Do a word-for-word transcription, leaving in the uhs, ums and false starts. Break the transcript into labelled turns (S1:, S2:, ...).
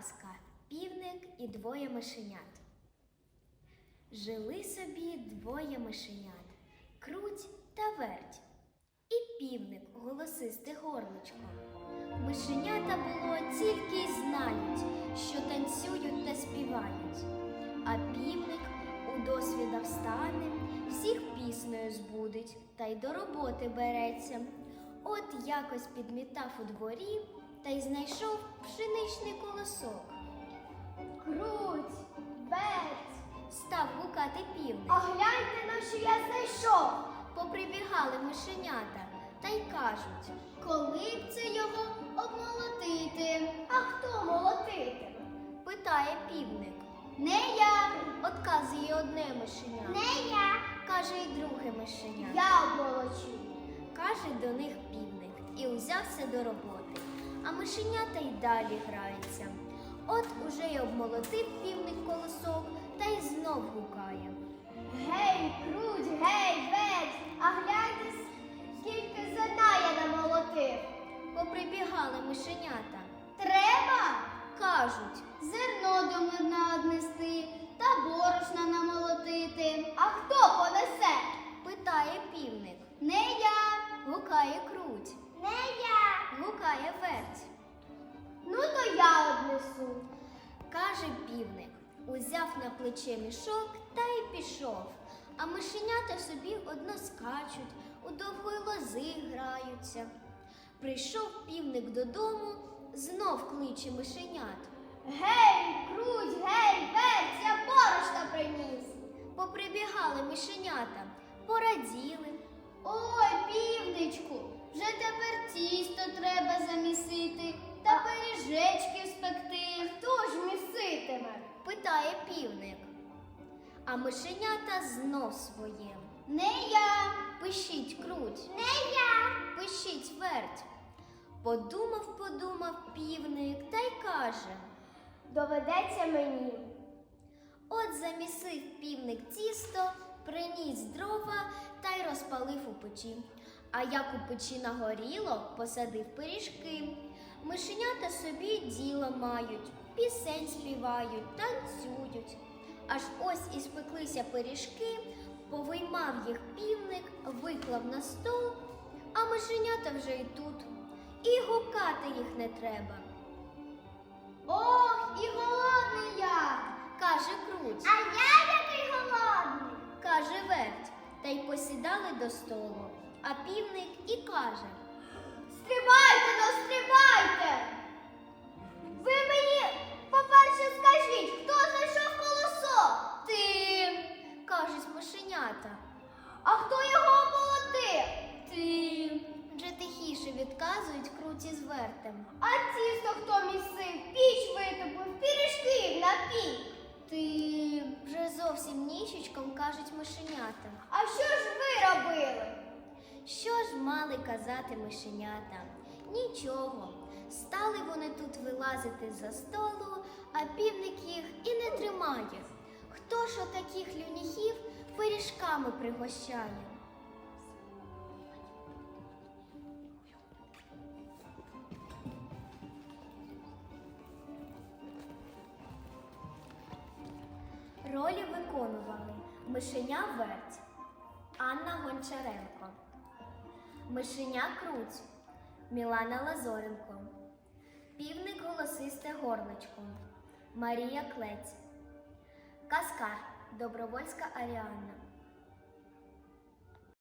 S1: Казка «Півник і двоє мишенят». Жили собі двоє мишенят – Круть та Верть. І півник голосисте горличко. Мишенята було тільки й знають, що танцюють та співають. А півник у досвіда встане, всіх піснею збудить та й до роботи береться. От якось підмітав у дворі та й знайшов пшеничний колосок.
S2: Круть, Верть,
S1: Став гукати півник.
S2: а гляньте, на що я знайшов.
S1: Поприбігали мишенята та й кажуть:
S2: Коли б це його обмолотити? А хто молотитиме?
S1: питає півник.
S2: Не я,
S1: Отказує одне мишеня,
S2: не я,
S1: каже й друге мишеня.
S2: я обмолочу.
S1: Каже до них півник і узявся до роботи. А мишенята й далі граються. От уже й обмолотив півник колосок та й знов гукає.
S2: Гей, Круть, гей, Верть, а гляньте, скільки зерна я намолотив.
S1: Поприбігали мишенята.
S2: Треба
S1: Кажуть:
S2: зерно до млина однести та борошна намолотити. А хто понесе?
S1: питає півник.
S2: Не я,
S1: Гукає Круть.
S2: не я.
S1: Гукає Верть.
S2: Ну то я однесу.
S1: Каже півник, узяв на плече мішок та й пішов. А мишенята собі одно скачуть, у довгої лози граються. Прийшов півник додому, знов кличе мишенят.
S2: Гей, Круть, гей, Верть, я борошна приніс.
S1: Поприбігали мишенята, пораділи.
S2: Ой, півничку, вже тепер тісто треба замісити та пиріжечки спекти. Хто ж міситиме?
S1: Питає півник. А мишенята знов своє.
S2: Не я,
S1: Пишіть Круть,
S2: не я.
S1: пишіть Верть. Подумав, подумав півник та й каже.
S2: Доведеться мені.
S1: От замісив півник тісто, приніс дрова та й розпалив у печі. А як у печі нагоріло, посадив пиріжки. Мишенята собі діло мають, пісень співають, танцюють. Аж ось і спеклися пиріжки, повиймав їх півник, виклав на стол, а мишенята вже й тут. І гукати їх не треба.
S2: Ох, і голодний я.
S1: Каже Круть.
S2: А я який голодний.
S1: Каже Верть, та й посідали до столу. А півник і каже:
S2: Стрибайте, ну стрибайте. Ви мені, по-перше, скажіть, хто знайшов колосок?
S1: Ти, кажуть мишенята.
S2: А хто його обмолотив?
S1: Ти. Вже тихіше відказують Круті з Вертем.
S2: А тісто хто місив? Піч витопив, пиріжки напік.
S1: Ти. Вже зовсім ніщечком кажуть мишенята.
S2: А що ж ви робили?
S1: Що ж мали казати мишенята? Нічого. Стали вони тут вилазити за столу, а півник їх і не тримає. Хто ж отаких люніхів пиріжками пригощає? Ролі виконували Мишеня Верть, Анна Гончаренко, Мишеня Круть, Мілана Лазоренко, Півник голосисте горличко, Марія Клець, Каскар Добровольська Аріанна,